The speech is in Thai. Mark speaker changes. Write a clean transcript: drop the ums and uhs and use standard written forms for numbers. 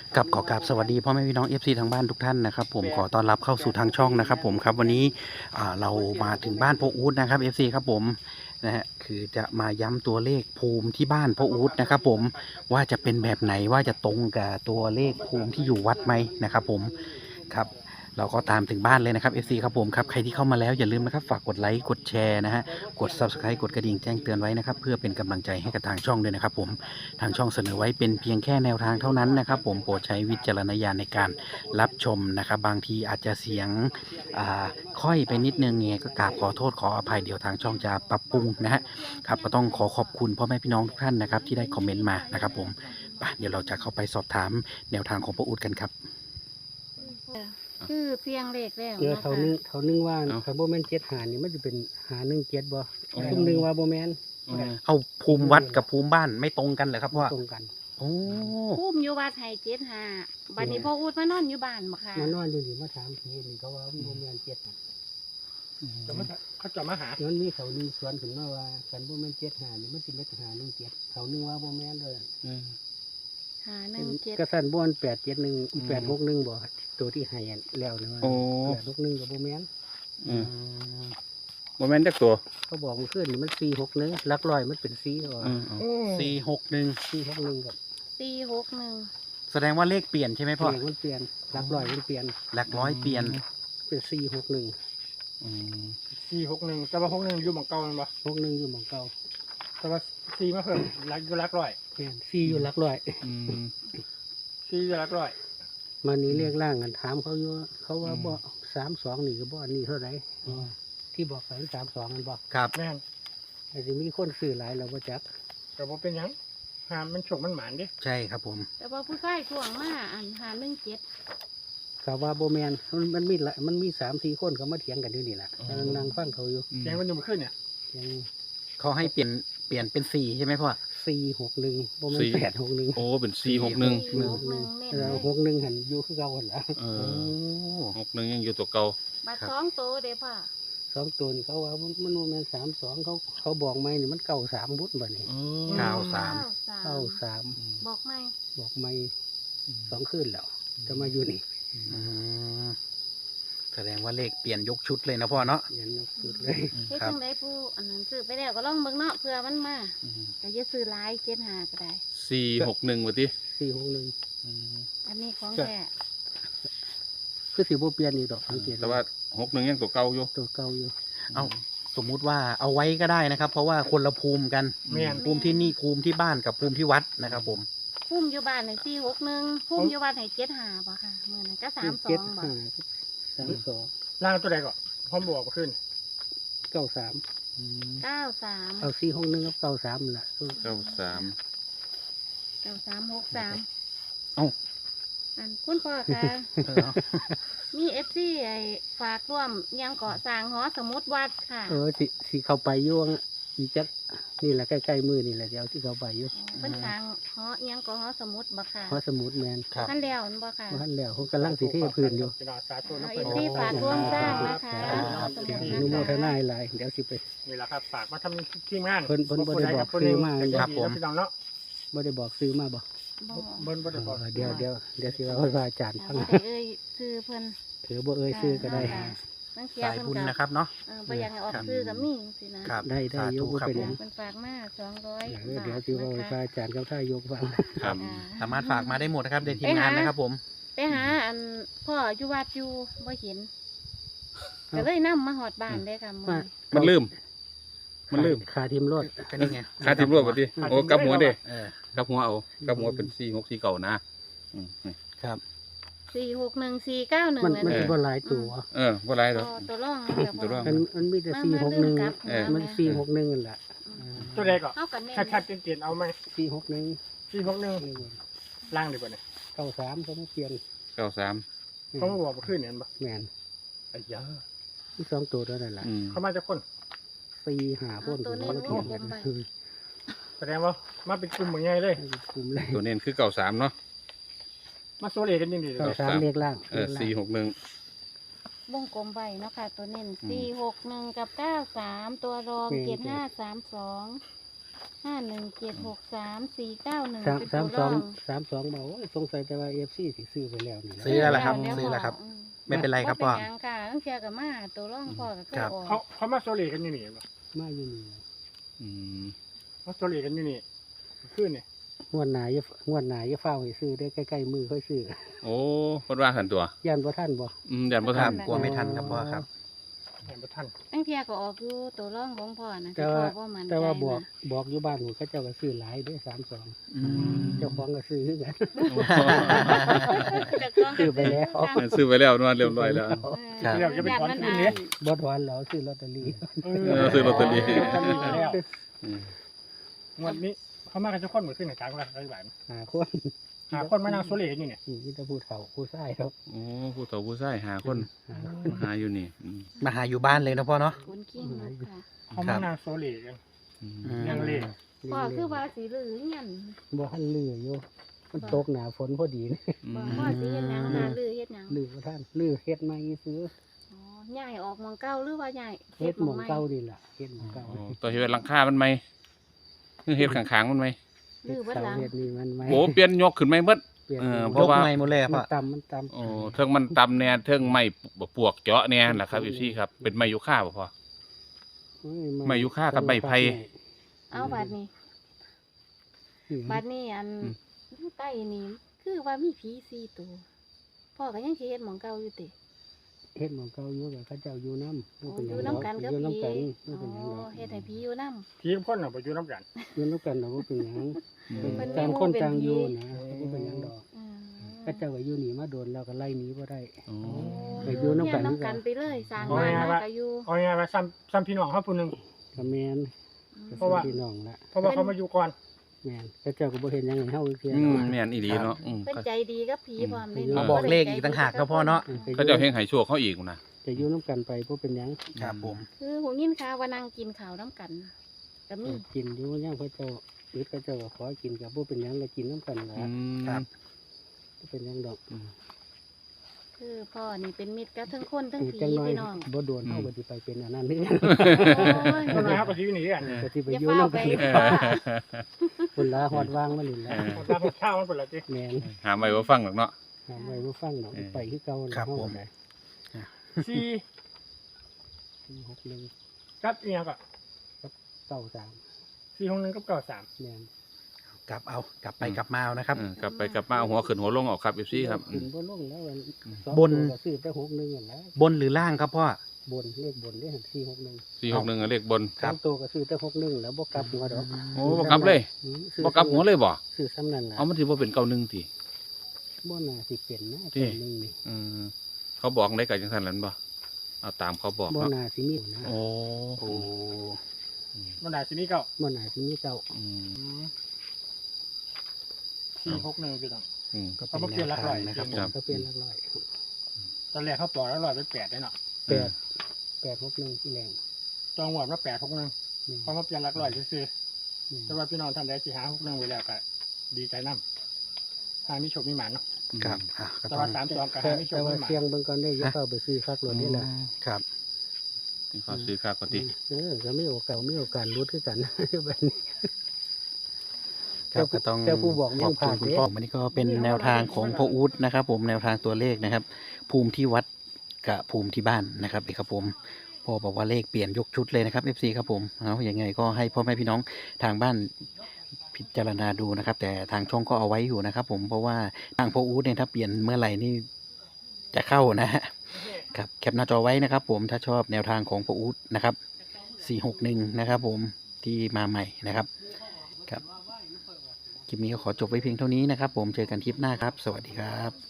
Speaker 1: กับขอกราบสวัสดีพ่อแม่พี่น้อง FC ทางบ้านทุกท่านนะครับผมขอต้อนรับเข้าสู่ทางช่องนะครับผมครับวันนี้เรามาถึงบ้านพ่ออู๊ดนะครับ FC ครับผมนะฮะคือจะมาย้ำตัวเลขภูมิที่บ้านพ่ออู๊ดนะครับผมว่าจะเป็นแบบไหนว่าจะตรงกับตัวเลขภูมิที่อยู่วัดไหมนะครับผมครับเราก็ตามถึงบ้านเลยนะครับ FC ครับผมครับใครที่เข้ามาแล้วอย่าลืมนะครับฝากกดไลค์กดแชร์นะฮะกด Subscribe กดกระดิ่งแจ้งเตือนไว้นะครับเพื่อเป็นกำลังใจให้กับทางช่องด้วยนะครับผมทางช่องเสนอไว้เป็นเพียงแค่แนวทางเท่านั้นนะครับผมโปรดใช้วิจารณญาณในการรับชมนะครับบางทีอาจจะเสียงค่อยไปนิดนึงไงก็กราบขอโทษขออภัยเดี๋ยวทางช่องจะปรับปรุงนะฮะครับก็ต้องขอบคุณพ่อแม่พี่น้องทุกท่านนะครับที่ได้คอมเมนต์มานะครับผมเดี๋ยวเราจะเข้าไปสอบถามแนวทางของพ่ออู๊ดกันครับ
Speaker 2: คือเพียงเลขแล้ว
Speaker 3: เดี๋ยว
Speaker 2: เนาะ
Speaker 3: เขา
Speaker 2: ค่ะ
Speaker 3: นึงว่า
Speaker 1: เอ้า
Speaker 3: คาร์โบแมน7 หานี่มันจะเป็น1 7บ่ซุ่มนึงว่าโบแมน
Speaker 1: เอาภูมิวัดกับภูมิบ้านไม่ตรงกันเหรอครับพ่อ
Speaker 3: ตรงกัน
Speaker 1: โอ้
Speaker 2: พุ่มอยู่วัดไห้75บัดนี้พ่ออูดมานอนอยู่บ้านบ่ค่ะ
Speaker 3: มานอนอยู่นี่มาถามทีนี่เขาว่าโบแมน7น่ะ
Speaker 4: เขาจะมาหา
Speaker 3: นั้นมีเขานึงสวนขึ้นมาว่าคันโบแมน7 หานี่มันสิเป็น1 7เขานึงว่าโบแมนเลย
Speaker 2: 517
Speaker 3: กระสันบ่อน871 861บ่ตัวที่ให้แล้วนะว่า
Speaker 4: โอ้
Speaker 3: 861กับโบแมน
Speaker 4: โมเมนต์จักตัว
Speaker 3: เขาบอกมันขึ้นนี่มัน461หลักร้อยมันเป็น4ว่า
Speaker 1: 461
Speaker 3: 461กับ
Speaker 2: 461
Speaker 1: แสดงว่าเลขเปลี่ยนใช่ไหมพ่อ
Speaker 3: มันเปลี่ยนหลักร้อยมันเปลี่ยน
Speaker 1: หลักร้อยเปลี่ยน
Speaker 3: เป็น461
Speaker 4: 461แต่ว่า61อยู่หม่องเก่าแมันบ่
Speaker 3: 61อยู่หม่องเก่า
Speaker 4: แต่ว่า4มาเพิ่มรักอยู่รักร้อย
Speaker 3: แม่น4อยู่หลักร้อย
Speaker 4: 4อยู่รักร้อย
Speaker 3: มันนี้เรียกร่างกันถามเขาอยู่เขาว่าบ่32นี่ก็บ่อันนี้เท่าไหร่ที่บอกไป32มันบอก
Speaker 1: ครับ
Speaker 4: แม่น
Speaker 3: อาจจะมีคนซื้อหลายเราบ่จัก
Speaker 4: ก็บ่เป็นหยังหามมันโชคมันหมานเด้
Speaker 1: ใช่ครับผม
Speaker 2: แต่ว่าผู้ชายทวงมาอัน517
Speaker 3: เขาว่าบ่แม่นมันมี3-4 คนเขามาเถียงกันอยู่นี่แหละนั่งฟังเขาอยู่
Speaker 4: แกงมันอยู่เมื่อคืนเนี่ย
Speaker 3: ยัง
Speaker 1: เขาให้เปลี่ยนเป็น4ใช่ไหมพ่อ
Speaker 3: 461บ่แม่น861
Speaker 5: โอ้เป็น461
Speaker 2: 461
Speaker 3: แล้ว
Speaker 2: เน้น
Speaker 3: 61หันอยู่คือเก่าหั่นล่ะ
Speaker 5: เอ
Speaker 1: โอ้
Speaker 5: อ61ยังอยู่ตัวเก่า
Speaker 2: ๆบัด
Speaker 1: ครับ
Speaker 2: 2โตเด้พ่อ
Speaker 3: 2 ตัวนี่เขาว่ามันบ่แม่น32เขาบอกไหมนี่มัน93บุญบัดนี้ 93
Speaker 2: บอกไหม
Speaker 3: บอกไม่2คืนแล้วจะมาอยู่นี่
Speaker 1: อืมแสดงว่าเลขเปลี่ยนยกชุดเลยนะพ่อเนาะ
Speaker 3: ยันยกสุดเลย
Speaker 2: เฮ็ด
Speaker 1: ครับ
Speaker 2: จังไดผู้อันนั้นซื้อไปแล้วก็ลองเบิ่งเนาะเผื่อมันมาก็อย่าซื้อหลาย75ก็ได้
Speaker 5: 461ว่าติ
Speaker 3: 461
Speaker 2: อันนี้ของแท้
Speaker 3: คือสิบ่เปลี่ยนอีกดอกสังเกต
Speaker 5: แต่ว่า61ยังตัวเก่าอยู่
Speaker 3: ตัวเก่าอยู่
Speaker 1: เอาสมมุติว่าเอาไว้ก็ได้นะครับ เพราะว่าคนละภูมิกัน
Speaker 4: แม่น
Speaker 1: ภูมิที่นี่ภูมิที่บ้านกับภูมิที่วัดนะครับผม
Speaker 2: พุ่มอยู่บ้านให้461พุ่มอยู่วัดให้75บ่ค่ะมื้อนั้นก็32บ่
Speaker 3: 32
Speaker 4: ล่างตัวใดก่อนพร้อมบอกเมื่อคืน
Speaker 3: 93
Speaker 2: 93
Speaker 3: เอา461กับ93นั่นล่ะ
Speaker 5: 93
Speaker 2: 9363
Speaker 1: เอ้า
Speaker 2: อันคุณพ่อคะ
Speaker 1: เออ
Speaker 2: มีไอ้ฝากร่วมยังเกาะสร้างหอสมุดวัดค่ะ
Speaker 3: สิเข้าไปอยู่อีจักนี่แหละใกล้ๆมือนี่แหละเดี๋ยวสิเข้าไปอยู่
Speaker 2: เป็นสร้างหอยังเกาะหอสมุดบ่ค่ะ
Speaker 3: เพราะสมุดแมน
Speaker 1: ครับ
Speaker 2: ท่านแล้วนั่นบ่ค่ะ
Speaker 3: บ่ทันแล้วเขากำลังสิเทพื้นอยู่
Speaker 4: พี่น้องสาธุนะ
Speaker 2: เอา
Speaker 4: เพิ่น
Speaker 2: ที่ฝากร่วมสร้างนะคะ
Speaker 1: ครับ
Speaker 2: สมุด
Speaker 3: อนุโม
Speaker 2: นะ
Speaker 3: ท
Speaker 2: คะ
Speaker 3: นาหลายเดี๋ยวสิไป
Speaker 4: นี่แหละครับฝากมาทำทีมงาน
Speaker 3: เพิ่นบ่ได้บอก
Speaker 4: ผู้ใด
Speaker 3: ซื้อมา
Speaker 4: ผู้หนึ่ง
Speaker 1: ครับผม
Speaker 4: พี่น้องเนาะ
Speaker 3: บ่ได้บอกซื้อมาบ่
Speaker 2: บ่
Speaker 4: เบิ่นบ่ได้บอก
Speaker 3: เดี๋ยวสิว่าให้พระอาจารย์ฟัง
Speaker 2: บ่ได้เอ่ยชื่อเพิ่น
Speaker 3: บ่เอ่ยซื้อก็ได้
Speaker 2: นั่งเสีย
Speaker 1: สาย
Speaker 2: เพิ่น
Speaker 1: บุญ
Speaker 2: ก็
Speaker 1: นะครับเนาะ
Speaker 2: บ่อยากให้ออกชื่อก็มีสินะครับ
Speaker 3: ได้
Speaker 1: สา
Speaker 3: อยู่
Speaker 1: ธุ
Speaker 3: บ่
Speaker 1: ครับ
Speaker 3: เป็น
Speaker 1: ผ
Speaker 3: หยั
Speaker 1: ม
Speaker 3: ง
Speaker 2: เพิ่นฝากมา200
Speaker 3: เดี๋ยวสิว่าให้พระอาจารย์กับท่ายกฟัง
Speaker 5: ครับ
Speaker 1: สามารถฝากมาได้หมดนะครับในทีมงานนะครับผม
Speaker 2: ไปหาอันพ่ออยู่วัดอยู่บ่เห็นก็เลยนำมาฮอดบ้านเลยค่ะมื้อนี้
Speaker 5: มันลืม มันลืม
Speaker 3: ขาทีมรถ
Speaker 1: ก็นี่ไง
Speaker 5: ค่าทิมรวดว่าติโอ้กลับหัวเด้
Speaker 1: เออ
Speaker 5: กลับหัวเอากลับหัวเป็น464เก่านะอืม
Speaker 1: ครับ
Speaker 2: 461 491
Speaker 3: มัน
Speaker 2: นั่น
Speaker 3: สิ
Speaker 2: เอง
Speaker 3: บ่หลายตัว
Speaker 5: บ่หลายดอก
Speaker 2: ตัวร่อง
Speaker 5: ตัวร่อง
Speaker 3: มันมีแต่
Speaker 2: มาลืมกลับ
Speaker 3: 461มัน461นั่นล่ะ
Speaker 4: ตัวใดก่อน
Speaker 2: เฮากันแน่
Speaker 4: ชัดๆเตียนๆเอาไหม
Speaker 3: 461
Speaker 4: 461ล่างดีกว่าเนี่ย
Speaker 3: 93เขามาเปลี่ยน
Speaker 5: 93
Speaker 4: เขามาบอกเมื่อคืนเนี่ยเห็นบ่
Speaker 3: แม่น
Speaker 4: ไอ้ยา
Speaker 3: มี2ตัวเท่านั้นล่ะ
Speaker 5: อืม
Speaker 4: เขามาจากคน
Speaker 3: 4-5คนผมมาเถียงกัน
Speaker 4: แสดงว่ามาเป็นกลุ่มเหมือนไงเลย
Speaker 3: กลุ่มเลย
Speaker 5: ตัวเน้นคือ93เนาะ
Speaker 4: มาโซเลกันยังดีเลย
Speaker 3: 93เรียกล่าง
Speaker 5: 461
Speaker 2: วงกลมไว้เนาะค่ะตัวเน้น461กับ93ตัวรอง7532 51763491
Speaker 3: สาม
Speaker 2: เป็น
Speaker 3: สาม
Speaker 2: ตัว
Speaker 3: ส
Speaker 2: ร
Speaker 3: อ
Speaker 2: อง ง
Speaker 3: 32บอกว่าสงสัยแต่ว่า FC สิซื้อไปแล้วนี่นะ
Speaker 1: ซื้อแล้วล่ะครับ
Speaker 2: แล้ว
Speaker 1: ซื้อแล้วครับ
Speaker 2: พ่ม
Speaker 1: ไม่เป็นไรครับพ่อ
Speaker 2: บ่เป็นหยังค่ะตั้งเทียกับมาตัวร่องพ่อก็เคย
Speaker 1: ครับ
Speaker 2: ออก
Speaker 4: เขามาโซเลกันอยู่นี่บ่
Speaker 3: มาอยู่นี่
Speaker 5: อืม
Speaker 4: มาโซเลกันอยู่นี่ขึ้นนี่
Speaker 3: งวดหน้าอย่าฟ้าวให้ซื้อได้ใกล้ๆมือค่อยซื้อ
Speaker 5: โอ้เพิ่นว่าหันตัว
Speaker 3: ย่านบ่ทันบ่
Speaker 5: ยันบ่
Speaker 1: ค
Speaker 5: ทั
Speaker 1: รั
Speaker 5: น
Speaker 1: บกลัวไม่ทันครับพ่อครับ
Speaker 4: เห็นบ่ทัน
Speaker 2: ตั้งเทียก็ออกอยู่ตัวร่องของพ่อนะ
Speaker 3: แต่
Speaker 2: ที่
Speaker 3: ว่า
Speaker 2: พ่อบ่มั่นใจ
Speaker 3: แต่ว่า
Speaker 2: นะ
Speaker 3: บอกอยู่บ้านผมเขาเจ้าก็ซื้อหลายเด้32
Speaker 1: อืม
Speaker 3: เจ้าของก็ซื้อคือกัน
Speaker 2: จากกล้องก็
Speaker 3: ซื้อไปแล้ว
Speaker 5: ซื้อไปแล้วนวดเรียบร้อยแล้ว
Speaker 1: ครับ
Speaker 4: เดี๋ยวจะไปถอน
Speaker 2: มั
Speaker 4: ขึ้นนี่
Speaker 3: บ่ถอนแล้วซื้อลอตเตอรี่
Speaker 5: ซื้อลอตเตอรี่
Speaker 4: ลอตเตอรี่ไปแล้ว
Speaker 5: อืม
Speaker 4: งวดนี้เขามากันจะคนเหมือนขึ้นในกลางกันได้แบบ
Speaker 3: หาคน
Speaker 4: หาคนมานั่งโซเลกันอยู่เนี่ย
Speaker 3: มีแต่ผู้เฒ่าผู้ชายครับ
Speaker 5: โอ้ผู้เฒ่าผู้ชายหาคน
Speaker 3: หา
Speaker 5: มาหาอยู่นี่อืม
Speaker 1: มาหาอยู่บ้านเลยนะพ่อเนาะ
Speaker 2: คุณกิ้งนกค่ะ
Speaker 4: เขามานั่งโซเลกัน
Speaker 5: อืม
Speaker 1: อืม
Speaker 4: ยังเล
Speaker 2: พ่อคือว่าสีเหลืองเงี้ย
Speaker 3: บ่ทันลืออยู่มันตกหนาฝนพอดีนี่
Speaker 5: อื
Speaker 2: บอก
Speaker 5: ม
Speaker 2: พ่อสีเฮ็ดหยังหาลือเฮ็ดหยัง
Speaker 3: ลือบ่ทันลือเฮ็ดใหม่ซื้อ
Speaker 2: อ๋อย้ายออกหมองเก่าหรือว่าย้าย
Speaker 3: เฮ็ดหม่อง
Speaker 2: ใ
Speaker 3: เก่านี่ล่ะเฮ็ดหม่องเก่า
Speaker 5: โอ้ตัวเฮ็ดหลังคามันไหมเฮ็ดข้างๆมันไหม
Speaker 2: ลือเบิด
Speaker 3: เสา
Speaker 2: หลัง
Speaker 3: เฮ็ดนี่มันไหม
Speaker 5: โอ้เปลี่ยนยกขึ้นไหมเบิด
Speaker 3: เปลี่ยน
Speaker 5: เออ
Speaker 3: มัน
Speaker 5: เพราะ
Speaker 1: ยก
Speaker 5: ว่า
Speaker 1: ไม้หมดเลยอะพ่อ
Speaker 3: มันต่ำ
Speaker 5: โอ้เทิงมันต่ำแน่เทิงไม้ปวกเจาะแน่ล่ะครับพี่ครับเป็นไม้ยูคาบ่พอ
Speaker 3: โอ้ย
Speaker 5: ไม้ยูคากับไม้ไผ่
Speaker 2: เอาบัดนี้
Speaker 3: อืม
Speaker 2: บัดนี้อัน
Speaker 5: อืม
Speaker 2: อยู่ใต้นี่คือว่ามีผี4ตัวพ่อก็ยังสิเฮ็ดหมองเก่าอยู่ติ
Speaker 3: เฮ็ดหม่องเก่าอยู่กับเขาเจ้าอยู่นำ
Speaker 2: โอ้อยู่นำกันกับ
Speaker 3: อยู่
Speaker 2: ผี
Speaker 3: นำกัน
Speaker 2: อ๋
Speaker 3: บ่เป็นหยังด
Speaker 2: อ
Speaker 3: อก
Speaker 2: เฮ็ดให้ผีอยู่นำ
Speaker 4: ผีพ่นเอาไปอยู่น้ำกัน
Speaker 3: อยู่นำกันดอกบ่เป็นหยัง
Speaker 5: อืม
Speaker 2: มัน
Speaker 3: ต่างคนต่างอยู่นะ
Speaker 4: เป็นผี
Speaker 3: บ่เป็นหยังดอก
Speaker 2: อืม
Speaker 3: เขาเจ้าก็อยู่นี่มาโดนแล้วก็ไล่หนีบ่ได้
Speaker 5: โอ้
Speaker 3: ไปอยู่นำกัน
Speaker 2: เฮียนำกันไปเลยสร้าง
Speaker 4: เอา
Speaker 2: บ้าน
Speaker 4: ไง
Speaker 2: มาว
Speaker 4: ะ
Speaker 2: ก็อยู่
Speaker 4: เอาไงว่าซ้ำพี่น้องเขาผู้หนึง
Speaker 3: ก็แม่น
Speaker 4: เพราะว่า
Speaker 3: พี่น้องละ
Speaker 4: เพราะว่าเขามาอยู่ก่อน
Speaker 3: แม่นเขาเจ้าก็บ่เห็นหยังให้เฮาเทื่อ
Speaker 5: อื
Speaker 3: ด
Speaker 5: ม
Speaker 3: อก
Speaker 5: แม่นอีหลีเนาะอืม
Speaker 2: เพิ่นใจดีกับผีพร้อมเลย
Speaker 3: อืม
Speaker 1: มาบอกเลขอีกต่างหากนะพ่อเนาะ
Speaker 5: เขาเจะเฮงให้โชคเขาอีกนะ
Speaker 3: จะอยู่น้ำกันไปบ่เป็นหยัง
Speaker 1: ครับผม
Speaker 2: คือหูยินข่าวว่านั่งกินข้าวน้ำกันก็มี
Speaker 3: กินอยู่ย่างพระเจ้าหรือพระเจ้าก็ขอกินกับบ่เป็นหยังก็กินน้ำกันละ
Speaker 5: อืม
Speaker 1: ครับ
Speaker 3: บ่เป็นหยังดอก
Speaker 5: อืม
Speaker 2: คือพ่อนี่เป็นมิตรกับทั้งคนทั้งผี
Speaker 3: จังน้อย
Speaker 2: พี่น้อง
Speaker 3: บ่โดนเฮาก็สิไปเป็นอันนั้นนี่
Speaker 2: โอ้ย
Speaker 4: คนน้อยเขาก็ชีวิตหนีกัน
Speaker 3: ก็สิไป
Speaker 2: อย่า
Speaker 3: อยู่
Speaker 2: เฝ้า
Speaker 3: น้ำ
Speaker 2: ไป
Speaker 3: กัน
Speaker 5: เออ
Speaker 3: คนละฮอดวางมานี่ละ
Speaker 4: คนตาคนข้าวมันเป็นอะไรจี
Speaker 3: แม่น
Speaker 5: หาไม่ว่าฟังหรอกเนาะ
Speaker 3: หาไว้บ่ฟังดอก
Speaker 5: เออ
Speaker 3: ไปคือเก่า
Speaker 1: ครับ
Speaker 3: เฮา
Speaker 1: ผม
Speaker 3: ได้
Speaker 4: 4 กับอีหยังก็
Speaker 3: 63
Speaker 4: 461กับ93
Speaker 3: แม่น
Speaker 1: กลับเอากลับไปกลับมาเอานะครับ
Speaker 5: กลับไปกลับมาเอาหัวขึ้นหัวลงออกครับพี่ครับอื
Speaker 3: ขึ้น
Speaker 5: ม
Speaker 3: บ่ลงแล้วอัน
Speaker 5: อืม
Speaker 3: สอง
Speaker 1: บน
Speaker 3: ตัวก็ซื้อแต่61นั่นแหละ
Speaker 1: บนหรือล่างครับพ่อ
Speaker 3: บนเลขบนเลข461
Speaker 5: 461เลขบน
Speaker 1: ครับ
Speaker 3: สามตัวก็ซื้อแต่61แล้วบ่กลับหัวดอก
Speaker 5: โอ้บ่กลับเลย
Speaker 3: อืมซื้อ
Speaker 5: บ่กลับหัวเลยบ่
Speaker 3: ซื้อซ้ำนั่นล่ะ
Speaker 5: เอามันสิบ่เป็นเก่าหนึ่งติ
Speaker 3: บ่น่าสิเป็นนะ
Speaker 5: ที่
Speaker 3: ตัวหนึงนี่
Speaker 5: อืมเขาบอกได้กับจังซั่นแล้วบ่เอาตามเขาบอก
Speaker 3: บ่
Speaker 5: เนาะ
Speaker 3: น่าสิมีนะ
Speaker 5: โอ้
Speaker 1: โอ้
Speaker 4: มันได้สิมีเก่า
Speaker 3: บ่น่าสิมีเจ้า
Speaker 5: อืม
Speaker 4: 461พี่น้อง
Speaker 5: อืม
Speaker 1: ก็
Speaker 4: เอามา
Speaker 1: เป็น
Speaker 4: เปลี่
Speaker 1: แน
Speaker 4: ยน
Speaker 1: ว
Speaker 4: หลัก
Speaker 1: ทา
Speaker 4: ร้
Speaker 1: ง
Speaker 4: อย
Speaker 1: นะครับผ
Speaker 5: ครั
Speaker 1: ม
Speaker 5: บ
Speaker 3: ก็เป็นหลักร้อย
Speaker 4: ตอนแรกเขาต่อแล้ว100เป็น8ได้เนาะ
Speaker 3: 861ที่แรง
Speaker 4: จองหวดมา861
Speaker 3: นี่
Speaker 4: เขามาเปลี่ยนหลักร้อยซื่อ
Speaker 3: นี่
Speaker 4: ๆแต่ว่าพี่น้องท่านใดที่หา61ไว้แล้วก็ดีใจนำหามีโชคมีหมานเนาะ
Speaker 1: ครับอ่ะก็
Speaker 4: แต่
Speaker 1: ต้อ
Speaker 4: ว่าง 3 2ก็
Speaker 3: แต่
Speaker 4: หามีโชค
Speaker 3: แต่ว่า
Speaker 4: มีหมาน
Speaker 3: เสียงเบิ่งก่อนได้อย่า
Speaker 1: ฮะ
Speaker 3: เข้าไปซื้อคักรถนี่ล่ะ
Speaker 1: ครับ
Speaker 5: นี่เขาซื้อค่าก่อนติ
Speaker 3: ก็มีโอกาสลุ้นคือกัน แบบนี้
Speaker 1: ครับก็ต้อง
Speaker 3: แต่ผู้บอก
Speaker 1: ขอบ
Speaker 3: ยังผ่า
Speaker 1: คุ
Speaker 3: น
Speaker 1: ณ
Speaker 3: เด้
Speaker 1: พ่อวันนี้ก็เป็นแนวทางของพ่ออู๊ดนะครับ ผมแนวทางตัวเลขนะครับ ภูมิที่วัดกับภูมิที่บ้านนะครับครับผมพ่อบอกว่าเลขเปลี่ยนยกชุดเลยนะครับ FC ครับผมเอาอย่างไงก็ให้พ่อแม่พี่น้องทางบ้านพิจารณาดูนะครับ แต่ทางช่องก็เอาไว้อยู่นะครับ ผมเพราะว่าทางพ่ออู๊ดเนี่ยถ้าเปลี่ยนเมื่อไหร่นี่จะเข้านะฮะครับแคปหน้าจอไว้นะครับ ผมถ้าชอบแนวทางของพ่ออู๊ดนะครับ461นะครับ ผมที่มาใหม่นะครับครับ คลิปนี้ก็ขอจบไว้เพียงเท่านี้นะครับผมเจอกันคลิปหน้าครับ สวัสดีครับ